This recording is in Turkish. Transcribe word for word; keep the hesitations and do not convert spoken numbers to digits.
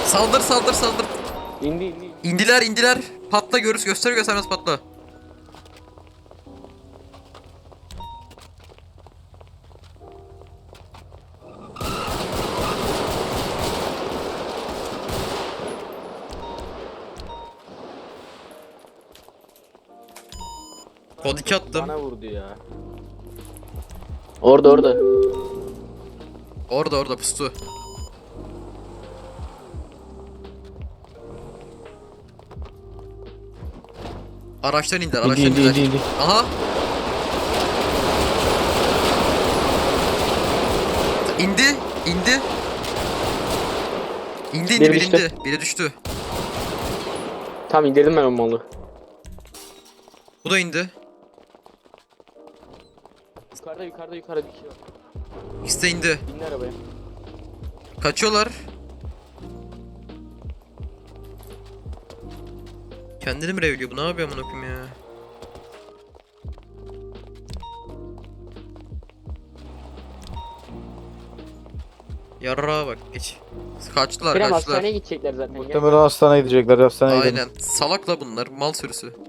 Saldır saldır saldır. İndi indi. İndiler indiler. Patla görürüz göster göstermez patla. Kod iki attım. Bana vurdu ya. Orada orada. Orada orada pustu. Araçtan indiler, İndi araçtan indi indiler. indi indi. Aha. İndi, indi. İndi indi, Biri biri düştü. indi. Biri düştü. Tamam indirdim ben o malı. Bu da indi. Yukarıda yukarıda yukarıda bir şey var. İkisi de indi. Bindi arabaya. Kaçıyorlar. Kendini mi revliyor bu? Ne yapıyor amına koyayım ya? Yarrağa bak geç. Kaçtılar Kerem kaçtılar. hastaneye gidecekler zaten. Gel. Muhtemelen hastaneye gidecekler. Hastaneye gidelim. Aynen. Salak la bunlar. Mal sürüsü.